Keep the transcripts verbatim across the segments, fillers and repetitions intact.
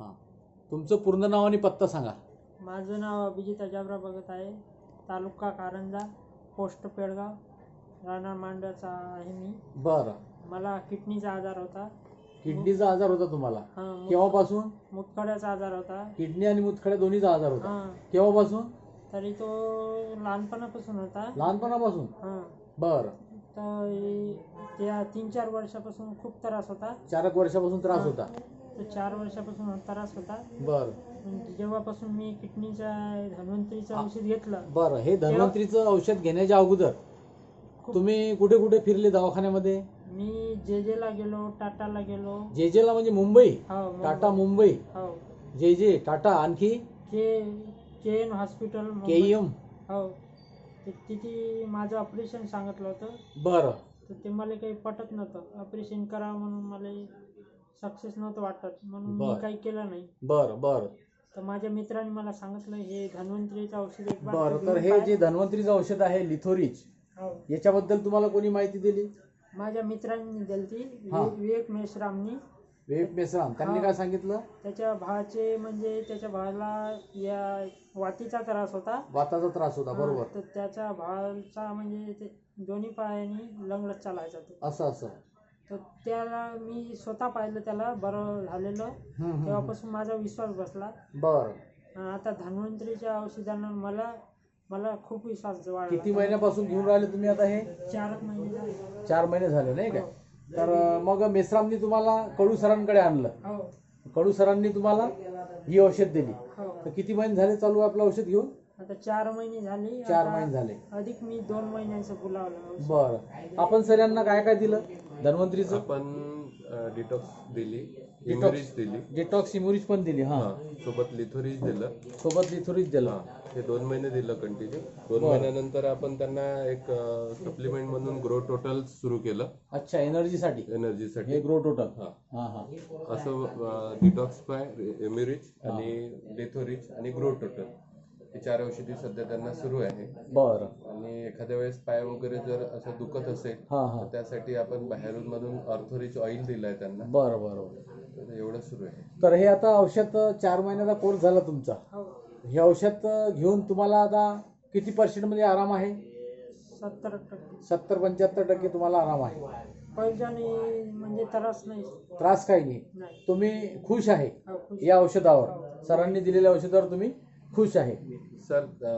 हां, तुमचं पूर्ण नाव आणि पत्ता सांगा. माझं नाव अभिजित अजाबराव भगत आहे. तालुका कारंजा, पोस्ट पेडगाव, राहणार मांडव्याचा आहे मी. बरं. मला किडनीचा आजार होता. किडनीचा आजार होता तुम्हाला? हां. केव्हापासून? मुतखड्याचा आजार होता. किडनी आणि मुतखड्या दोन्हीचा आजार होता? हां. केव्हापासून? तरी तो लहानपणापासून होता. लहानपणापासून? हां. बरं. तर हे- त्या तीन चार वर्षापासून खूप त्रास होता. चार एक वर्षापासून त्रास हां. होता? तर चार वर्षापासून त्रास होता. बरं. म्हणजे जेव्हापासून मी किडनीचा धन्वंतरीचं औषध घेतलं. बरं. हे धन्वंतरीचं औषध घेण्याच्या अगोदर तुम्ही कुठे कुठे फिरले दवाखान्यामध्ये? मी जे जेला गेलो, टाटाला गेलो. जे जेला म्हणजे मुंबई? हो. टाटा मुंबई. हो. जे जे टाटा, आणखी K K N hospital K E M. हो. ते तिथे माझं ऑपरेशन सांगितलं होतं. बरं. तर ते मला काही पटत नव्हतं. ऑपरेशन करावं म्हणून मला सक्सेस नव्हतं वाटत, म्हणून मी बरं. काही केलं नाही. बरं बरं. तर माझ्या मित्राने मला सांगितलं हे धन्वंतरीचं औषध एक बार बरं. तू तर घेऊन हे पाह. जे धन्वंतरीचं औषध आहे लिथोरिच, हो. याच्याबद्दल तुम्हाला कोणी माहिती दिली? माझ्या मित्रांनी दिली. हां. विवेक मेश्रामनी. विवेक मेश्राम. त्यांनी हां. काय सांगितलं? त्याच्या भावाचे म्हणजे त्याच्या भावाला या वातीचा त्रास होता. वाताचा त्रास होता. हां. बरोबर. तर त्याच्या भावाचा म्हणजे ते दोन्ही पायाने लंगडत चालायचा तो. असं असं. तर त्याला मी स्वतः पाहिलं, त्याला बरं झालेलं. हम्म, हम्म, हम्म. तेव्हापासून माझा विश्वास बसला. बरं. अं, आता धन्वंतरीच्या औषधांना मला मला खूप विश्वास वाढला. किती महिन्यापासून घेऊन राहिले तुम्ही आता हे? चार महिने झाले. चार महिने झाले नाही काय? हो. तर अं, मग मेश्रामनी तुम्हाला कडू सरांकडे आणलं. हो. कडू सरांनी तुम्हाला ही औषध दिली. हो. तर किती महिने झाले चालू आहे आपलं औषध घेऊन? आता चार महिने झाले. चार आता महिने झाले. अधिक मी दोन महिन्याचं बोलावलं औषध. बरं. आपण सर यांना काय काय दिलं धन्वंतरीचं? आपण डिटॉक्स दिली, इम्युरिज दिली, डिटॉक्स इम्युरिज पण दिली. हां. हा, सोबत लिथोरिज दिलं. सोबत लिथोरिज दिलं. हा, हे दोन महिने दिलं कंटिन्यू. दोन बरं. महिन्यानंतर आपण त्यांना एक सप्लिमेंट म्हणून ग्रो टोटल सुरू केलं अच्छा, एनर्जीसाठी हे एनर्जीसाठी. Grow total. हा, हां हां. असं डिटॉक्स पाय, इम्युरिज आणि लिथोरिज आणि ग्रो टोटल हे चार औषधी सध्या त्यांना सुरू आहे. बरं. आणि एखाद्या वेळेस पाय वगैरे जर असं दुखत असेल हां हां. तर त्यासाठी आपण बाहेरून मधून ऑर्थोरिच ऑइल दिलंय त्यांना. बरं बरं बरं. तर एवढं सुरू आहे. तर हे आता औषध चार महिन्याचा कोर्स झाला तुमचा. हो. हे औषध घेऊन तुम्हाला आता किती पर्सेंट मध्ये आराम आहे? सत्तर टक्के. सत्तर पंच्याहत्तर टक्के तुम्हाला आराम आहे. पैशाने म्हणजे त्रास नाही. त्रास काही नाही. नाही. तुम्ही खुश आहे हो, खुश. या औषधावर? सरांनी दिलेल्या औषधावर तुम्ही खुश आहे? सर अ,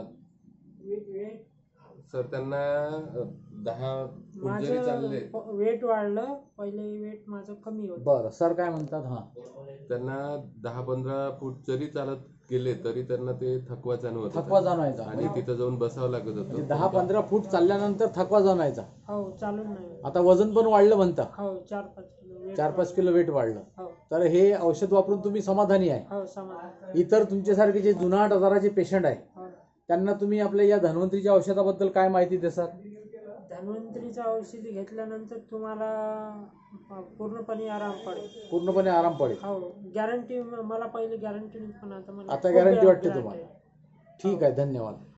सर त्यांना अ, दहा फूट जरी चालले, माझं वेट वाढलं. पहिले वेट माझं कमी होतं. बरं. सर काय म्हणतात? हां. त्यांना दहा पंधरा फूट जरी चालत गेले तरी त्यांना ते थकवा जाणवत होता. थकवा जाणवायचा. आणि तिथं जाऊन बसावं लागत म्हणजे होतं. दहा पंधरा फूट चालल्यानंतर थकवा जाणवायचा. हो. चालून नाही होत. आता वजन पण वाढलं म्हणता? हो. चार पाच किलो weight चार पाच किलो वेट वाढलं. हो. तर हे औषध वापरून तुम्ही समाधानी आहे? हो. समाधान. इतर तुमच्यासारखे जे जुनाट आजाराचे पेशंट आहे हो. त्यांना तुम्ही आपल्या या धन्वंतरीच्या औषधाबद्दल काय माहिती देसाल? धन्वंतरीचं औषध घेतल्यानंतर तुम्हाला पूर्णपणे आराम पडेल. पूर्णपणे आराम पडेल. हो. गॅरंटी. मला पहिले गॅरंटी पण आता मला आता खूप गॅरंटी वाटते guarantee तुम्हाला? आहे. ठीक आहे. धन्यवाद.